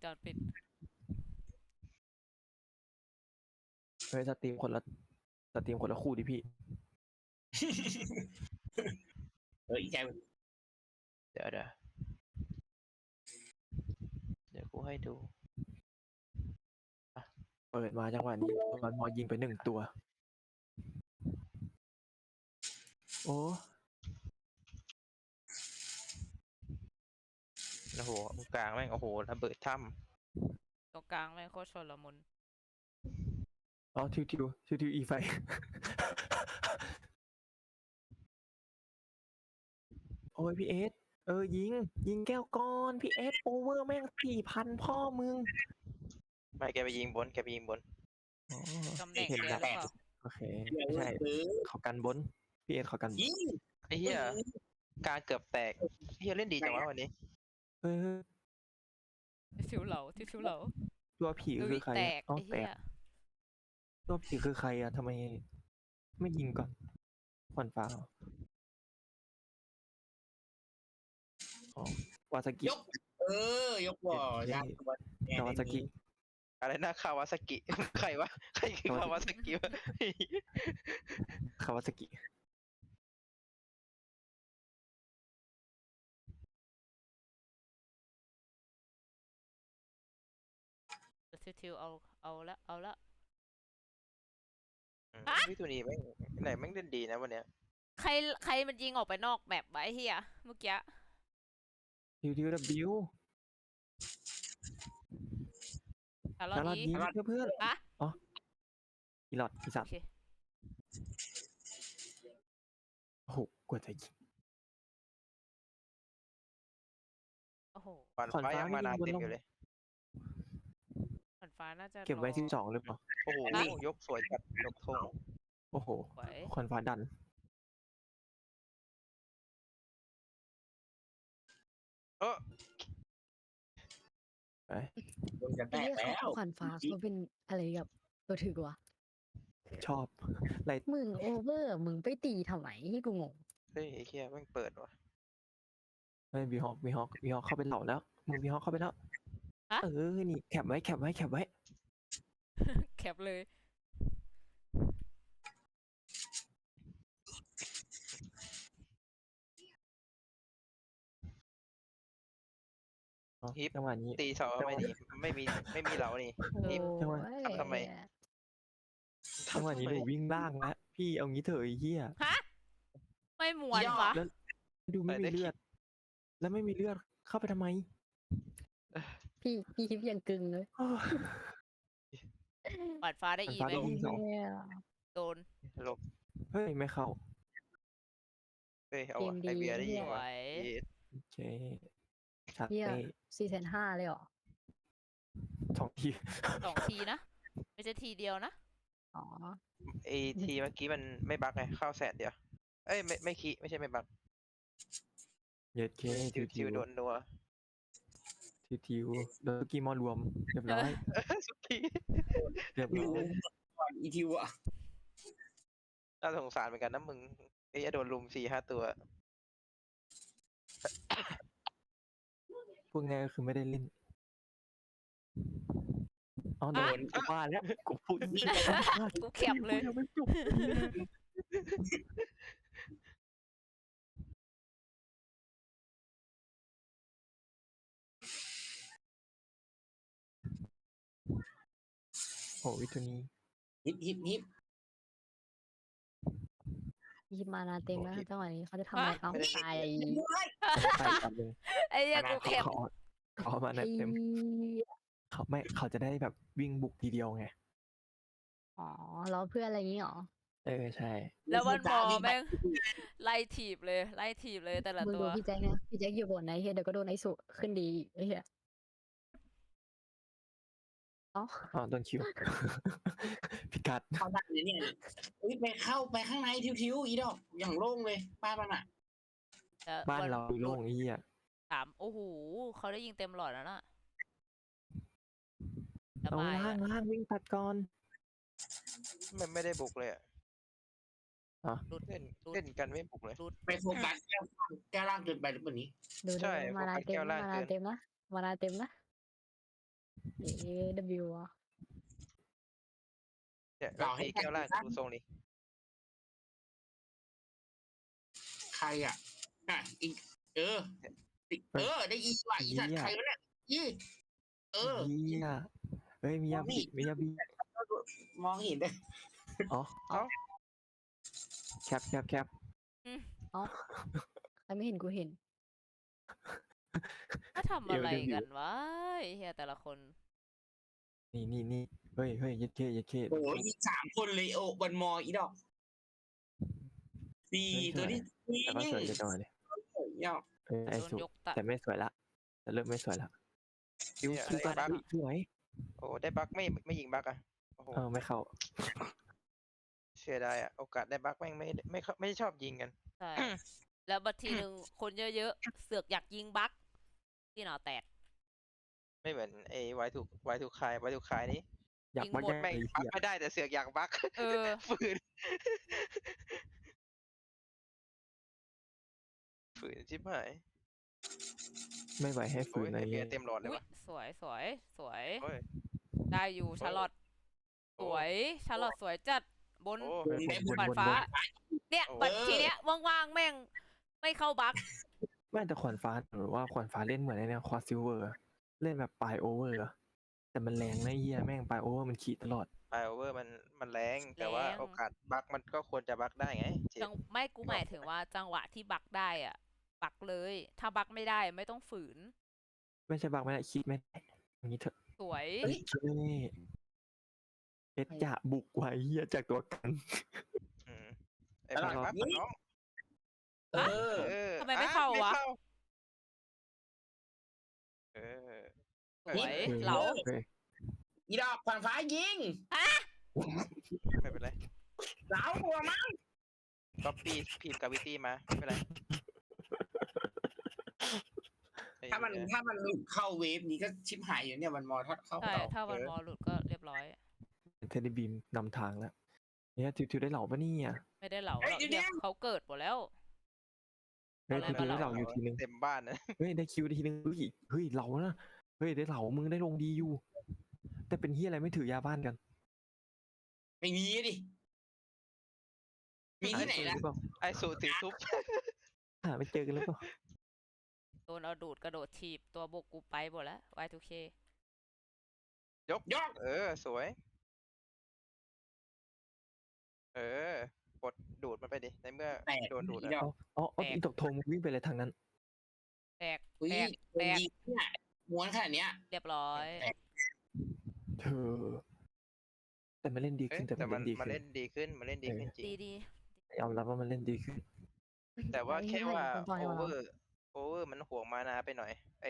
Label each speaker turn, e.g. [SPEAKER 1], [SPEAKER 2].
[SPEAKER 1] อนปิด
[SPEAKER 2] เฮ้ยสตรีมคนละคู่ดิพี่
[SPEAKER 3] เอออีกใจ
[SPEAKER 4] เดี๋ยวกูให้ดู
[SPEAKER 2] เปิดมาจังหวะนี้มันมอยิงไป1 ตัวโอ้
[SPEAKER 4] โอ้โหตรงกลางแม่งโอ้โหระเบิดถ้
[SPEAKER 1] ตรงกลางแม่งโคตรชนละมุน
[SPEAKER 2] อ๋อทิวอีไฟ โอ้ยพี่เอสยิงแก้วก้อนพี่เอสโอเวอร์แม่ง4,000พ่อมึง
[SPEAKER 4] ำไม่แกไปยิงบน
[SPEAKER 2] อ๋อ
[SPEAKER 1] ตำแหน่ง
[SPEAKER 2] เห็น
[SPEAKER 1] เดีย
[SPEAKER 2] แล้ว ว
[SPEAKER 1] หรือเปล่า
[SPEAKER 2] โอเคไม่ใช่เขากันบนพี่เอสเขากันบน
[SPEAKER 3] ยิง
[SPEAKER 4] ไอ้เหี้ยกลางเกือบแตกเหี้ยเล่นดีจังวะวันนี้
[SPEAKER 2] เฮ้ย
[SPEAKER 1] ที่ฟิวเหลา
[SPEAKER 2] ตัวผีคือใคร
[SPEAKER 1] แต
[SPEAKER 2] อะ
[SPEAKER 1] ก
[SPEAKER 2] อ๋อ
[SPEAKER 1] ไอ้
[SPEAKER 2] แต
[SPEAKER 1] เหี้
[SPEAKER 2] ก
[SPEAKER 1] ย
[SPEAKER 2] ตัวผีคือใครอะทำไมไม่ยิงก่อนควันฟ้าเหรออ๋อวาซากิ
[SPEAKER 3] ยกยกบ่อยากตัว
[SPEAKER 2] คาวาซากิ
[SPEAKER 4] อะไรนะคาวาซากิ ใครวะใครคือคาวาซากิวะ
[SPEAKER 2] คาวาซากิ
[SPEAKER 1] ทิวเอาละ
[SPEAKER 4] วิทูนีแม่งไหนแม่งเล่นดีนะวันเนี้ย
[SPEAKER 1] ใครมันยิงออกไปนอกแมปไว้เฮียเมื่อกี้
[SPEAKER 2] ทิวบิว
[SPEAKER 1] แต่รอ
[SPEAKER 2] แล้วเรา
[SPEAKER 1] นี้
[SPEAKER 2] ยิงเพื่อน
[SPEAKER 1] อะ
[SPEAKER 2] อ๋ออีหลอดอีสั
[SPEAKER 1] โอ
[SPEAKER 2] ตว์
[SPEAKER 1] เค
[SPEAKER 2] โอ้โหกว่าจะยิง
[SPEAKER 1] โอ้โห
[SPEAKER 4] ฝัน
[SPEAKER 2] ขวัญ
[SPEAKER 4] ฟ้า
[SPEAKER 2] ฟ้า
[SPEAKER 4] ยังมา
[SPEAKER 2] ไม่
[SPEAKER 4] นาน
[SPEAKER 2] ยิงบน
[SPEAKER 4] เต็ม
[SPEAKER 2] ลง
[SPEAKER 4] อยู่เลย
[SPEAKER 1] ขวัญฟ้าน่าจะ
[SPEAKER 2] เก็บไว้
[SPEAKER 1] รอ
[SPEAKER 2] ที่2หรือเปล่า
[SPEAKER 4] โอ้โหยกสวยจัดยกธง
[SPEAKER 2] โอ้โห
[SPEAKER 1] ไหว
[SPEAKER 2] ควันฟ้าดัน
[SPEAKER 4] เออ
[SPEAKER 2] ไป
[SPEAKER 3] โดนกันแต
[SPEAKER 5] ไอ้
[SPEAKER 3] ก
[SPEAKER 5] เหี้ย
[SPEAKER 3] แล้ว
[SPEAKER 5] ขวัญฟ้าเขาเป็นอะไรกับตัวถือวะ
[SPEAKER 2] ชอบไร
[SPEAKER 5] มึงโอเวอร์มึงไปตีทำไมให้กูงง
[SPEAKER 4] เฮ้ยไอ้เหี้ยแม่งเปิดว่ะ
[SPEAKER 2] เฮ้ยวีฮอกเข้าไปเหล่าแล้วมึงวีฮอกเข้าไปแล้วนี่แคปไว้
[SPEAKER 1] แคปเลย
[SPEAKER 2] อ๋อจังหวะนี้
[SPEAKER 4] ตีเสาไม่ดีไม่มีเหลานี่ นี่
[SPEAKER 2] จังหวะ
[SPEAKER 4] ทำไม
[SPEAKER 2] จังหวะนี้หนูวิ่งล่างแล้วพี่เอางี้เถอะไอ้เหี้ย
[SPEAKER 1] ฮะ ไม่หมวนวะ
[SPEAKER 2] แล้วดูไม่มีเลือด แล้วไม่มีเลือดเข้าไปทำไม
[SPEAKER 5] พี่ฮิปยังกึ่งเลย
[SPEAKER 2] อ้าว
[SPEAKER 1] ขวัญฟ้าได้อี
[SPEAKER 2] ขวัญ
[SPEAKER 1] ไหม
[SPEAKER 2] ฟ้าได้ ยิงสอง
[SPEAKER 5] เนี่ย
[SPEAKER 1] โดน
[SPEAKER 4] หลบ
[SPEAKER 2] เฮ้ยไม่เข้า
[SPEAKER 4] เฮ้ยเอาว่ะไอเบียร์ได้ยิง
[SPEAKER 1] ไหว
[SPEAKER 4] ว่ะเย้
[SPEAKER 2] โอเคชัด
[SPEAKER 5] เหี้ย
[SPEAKER 2] เต้
[SPEAKER 5] 4,500,000เลยเหรอ
[SPEAKER 2] 2 ที
[SPEAKER 1] 2 ทีนะ ไม่ใช่ทีเดียวนะ
[SPEAKER 5] อ๋อ
[SPEAKER 4] ไอทีเมื่อกี้มันไม่บั๊กไงเข้าแสนเดียวเอ้ยไม่คีไม่ใช่ไม่บั๊ก
[SPEAKER 2] เย็ดเคทิว
[SPEAKER 4] ทิวโดนนัว
[SPEAKER 2] โดนกีมอรวมเรียบร้อย
[SPEAKER 4] สุกี้
[SPEAKER 2] เรียบร้อย
[SPEAKER 3] ก่อนอีทิวอ่ะ
[SPEAKER 4] น่าสงสารเหมือนกันนะมึงไอ้โดนลุม4-5 ตัว
[SPEAKER 2] พวกนี้ก็คือไม่ได้เล่นอ๋อโดนกูว่าแล้วกูพูดไม่ได้
[SPEAKER 1] กูแคปเลย
[SPEAKER 2] ยังไม่จบโอ้วิทูนี้
[SPEAKER 3] ฮิป
[SPEAKER 5] ฮิปมานาเต็มแล้วจังหวะนี้เขาจะทำอะไรเอาตาย
[SPEAKER 2] ไปกันเลย
[SPEAKER 1] ไอ้เหี้ยกูแคป
[SPEAKER 2] เขามา
[SPEAKER 5] ไอ้
[SPEAKER 2] เต็มเขาจะได้แบบวิ่งบุกทีเดียวไง
[SPEAKER 5] อ๋อล้อเพื่อนอะไรอย่างงี้เหรอ
[SPEAKER 2] ใช่
[SPEAKER 1] แล้ววันมอแม่งไล่ถีบเลยแต่ละ
[SPEAKER 5] มึง
[SPEAKER 1] ตั
[SPEAKER 5] ดู
[SPEAKER 1] ว
[SPEAKER 5] พี่แจ็คนะพี่แจ็คอยู่บนไหนเฮียเดี๋ยวก็โดนไอ้สุขึ้นดีไอ้เฮียอ๋อ
[SPEAKER 2] อ๋อโดนคิว พิกัด
[SPEAKER 3] เขาดังเลยเนี่ยไปเข้าไปข้างในทิวอีดอกอย่างโล่งเลยป้ามันอ่ะ
[SPEAKER 1] แต่
[SPEAKER 2] บ้าน
[SPEAKER 1] วัน
[SPEAKER 2] เราโล่งไอ้เหี้ย
[SPEAKER 1] โอ้โหเขาได้ยิงเต็มหลอดแล้วน่ะส
[SPEAKER 2] เอา
[SPEAKER 1] บาย
[SPEAKER 2] ล่าง
[SPEAKER 1] อะ
[SPEAKER 2] ล่างวิ่งตัดก่อน
[SPEAKER 4] มันไม่ได้บุกเลยอ่ะ
[SPEAKER 1] รุด
[SPEAKER 4] เล่นกันไม่บุกเลย
[SPEAKER 3] ไปโฟกัสแก้วล่างเกินไปหรือเปล่านี้
[SPEAKER 5] ดู
[SPEAKER 4] ใช่
[SPEAKER 5] มานา
[SPEAKER 4] โฟกัส
[SPEAKER 5] เต็
[SPEAKER 4] แก้
[SPEAKER 5] ม
[SPEAKER 4] วล่าง
[SPEAKER 5] มา
[SPEAKER 4] เกิ
[SPEAKER 5] นาน เต็มนะมานาเต็มนะ AW อ่ะ
[SPEAKER 4] เนี่ยแล้วมีแก้วล่างดูทรงนี้
[SPEAKER 3] ใครอ่ะอีกได้อีว่ะอีสัตว์ใครวะเนี่ยอี
[SPEAKER 2] เฮียเฮ้ยมียาบีมียาบี
[SPEAKER 3] มองเห็นเลย
[SPEAKER 2] อ๋อ
[SPEAKER 4] เอ้า
[SPEAKER 2] แคป
[SPEAKER 5] ใครไม่เห็นกูเห็น
[SPEAKER 1] ก็ทำอะไรกันวะไอ้เฮียแต่ละคน
[SPEAKER 2] นี่เฮ้ยยัดเค
[SPEAKER 3] โอ้ยอี3 คนเลยโอ้วันมออีดอกดีตัวนี้
[SPEAKER 2] แต่ก็สวยจังเลย
[SPEAKER 3] ยอก
[SPEAKER 2] ไอ้
[SPEAKER 1] โดน
[SPEAKER 2] สุ
[SPEAKER 1] ยกตัด
[SPEAKER 2] แต่ไม่สวยละแต่เริ่มไม่สวยละคิวก่อนสวย
[SPEAKER 4] โอ้ได้บั๊กไม่ยิงบั๊กอ่ะโอ้โห
[SPEAKER 2] ไม่เข้า
[SPEAKER 4] เสียดายอ่ะโอกาสได้บั๊กแม่งไม่ชอบยิงกัน
[SPEAKER 1] ใช่ แล้วบัดทีหนึ่งคนเยอะๆ เสือกอยากยิงบั๊กที่หนอแตก
[SPEAKER 4] ไม่เหมือนไอ้ไวทูคายนี่
[SPEAKER 2] อยาก
[SPEAKER 1] ยิง
[SPEAKER 2] มา
[SPEAKER 1] หมด
[SPEAKER 2] แย่ง
[SPEAKER 4] แม่ง
[SPEAKER 2] ไอ้
[SPEAKER 4] บั๊ก
[SPEAKER 2] เหี้ย
[SPEAKER 4] ไม่ได้แต่เสือกอยากบั๊ก
[SPEAKER 1] เออ
[SPEAKER 4] ฝืนชิบหาย
[SPEAKER 2] ไม่ไหวให้ฝื
[SPEAKER 4] โอ้
[SPEAKER 2] น
[SPEAKER 4] ย
[SPEAKER 2] อะไร
[SPEAKER 4] เบีย
[SPEAKER 2] เงี้
[SPEAKER 4] ร์
[SPEAKER 2] ย
[SPEAKER 4] เต็มหลอดเลย
[SPEAKER 1] อุ๊ย
[SPEAKER 4] วะ
[SPEAKER 1] สวย
[SPEAKER 4] โอ้ย
[SPEAKER 1] ได้อยู่ชาร์ลอต
[SPEAKER 4] โอ้
[SPEAKER 1] สวย ชาร์ลอตสวยจัด บน
[SPEAKER 4] โอ้
[SPEAKER 1] ขวานฟ้า เนี่ย บัดทีเนี้ยว่างๆ แม่ง ไม่เข้าบั๊ก
[SPEAKER 2] ไม่แต่ขวัญฟ้าหรือว่าขวัญฟ้าเล่นเหมือนไอ้เนี่ยควอซิลเวอร์เล่นแบบปลายโอเวอร์แต่มันแรงนะเฮียแม่งปลายโอเวอร์มันขี่ตลอด
[SPEAKER 4] ไอโอเวอร์มันแรงแต่ว่า
[SPEAKER 1] แรง
[SPEAKER 4] โอกาสบั๊กมันก็ควรจะบั๊กได้ไงเจ็บ
[SPEAKER 1] ไม่กูหมายถึงว่าจังหวะที่บั๊กได้อ่ะ บั๊กเลย ถ้าบั๊กไม่ได้ไม่ต้องฝืน
[SPEAKER 2] ไม่ใช่บักไม่ได้คิดไม่ได้อย่างนี้เถอะ
[SPEAKER 1] สวย
[SPEAKER 2] เอ้ยคิดไม่ได้เอ็ดจะบุกไว้เฮียจากตัวกัน
[SPEAKER 4] อืมไอ้บั๊กบั๊กน้อง
[SPEAKER 3] เออ
[SPEAKER 4] เออ
[SPEAKER 1] ทำไมไม่เข้าวะ
[SPEAKER 4] เออ
[SPEAKER 1] สวย
[SPEAKER 2] เออ
[SPEAKER 1] เหลา
[SPEAKER 2] โอเค
[SPEAKER 3] อีดอกขวานฟ้ายิง
[SPEAKER 4] ไม่เป็นไร
[SPEAKER 3] เหลาหัวมา
[SPEAKER 4] ก๊อปปี้พิมพ์กาวิตี้มาไม่เป็นไรไอ้
[SPEAKER 3] ถ้ามัน
[SPEAKER 4] เหี้ย
[SPEAKER 3] หลุดเข้าเวฟนี้ก็ชิบหายอยู่เนี่ยวันมอถ้าเข้า
[SPEAKER 1] ใช่
[SPEAKER 3] ต่อ
[SPEAKER 1] ถ้าวันมอหลุดก็เรียบร้อย
[SPEAKER 2] เทนนิบีมนำทางแล้วเนี่ยทิวได้เหล่าปะเนี่ย
[SPEAKER 1] ไม่ได้เหลาแล้วเนี่ยเขาเกิดหมดแล้ว
[SPEAKER 2] เฮ้ย
[SPEAKER 1] อะไร
[SPEAKER 2] ทิว
[SPEAKER 1] มา
[SPEAKER 2] ได้เหล่าอยู่ทีนึง
[SPEAKER 4] เต็มบ้านนะ
[SPEAKER 2] เฮ้ยได้คิวทีนึงเฮ้ยเหล่านะเฮ้ยได้เหล่ามึงได้ลงดีอยู่ แต่เป็นเฮียอะไรไม่ถือยาบ้านกัน
[SPEAKER 3] ไม่มีดิมีที่ไหน
[SPEAKER 2] เจอ
[SPEAKER 3] ล่ะ
[SPEAKER 2] หรือเปล่า
[SPEAKER 4] ไอสูถือทุบ
[SPEAKER 2] หาไม่เจอกันหรือเปล่า
[SPEAKER 1] โดนเอาดูดกระโดดถีบตัวบุกกูไปหมดแล้ว Y2K
[SPEAKER 3] ยก
[SPEAKER 4] เออสวย เออกดดูดมันไปดิในเมื่อ
[SPEAKER 3] แตก
[SPEAKER 4] โดนดูด
[SPEAKER 3] อี
[SPEAKER 4] อะ
[SPEAKER 3] ดอก
[SPEAKER 2] อ๋ออีตกโทงมึงวิ่งไปเลยทางนั้น
[SPEAKER 1] แตก
[SPEAKER 3] อุ้ย
[SPEAKER 1] แตก
[SPEAKER 3] ยิงเนี่ยม้วนขนาดเนี้ย
[SPEAKER 1] เรียบร้อย
[SPEAKER 3] แตก
[SPEAKER 2] เธอ แต่มันเล่นดี
[SPEAKER 4] เอ้
[SPEAKER 2] ขึ้
[SPEAKER 4] ย
[SPEAKER 2] นแต่
[SPEAKER 4] แต่
[SPEAKER 2] มัน
[SPEAKER 4] มัน
[SPEAKER 2] เล่นดีขึ้น
[SPEAKER 4] เล่นดีขึ้นจริง
[SPEAKER 1] ดี
[SPEAKER 2] ยอมรับว่ามันเล่นดีขึ้น
[SPEAKER 4] แต่ว่าแค่ว่า
[SPEAKER 5] ปล่อย
[SPEAKER 4] โอ
[SPEAKER 5] ๆ
[SPEAKER 4] เวอร์มันห่วงมานาไปหน่อย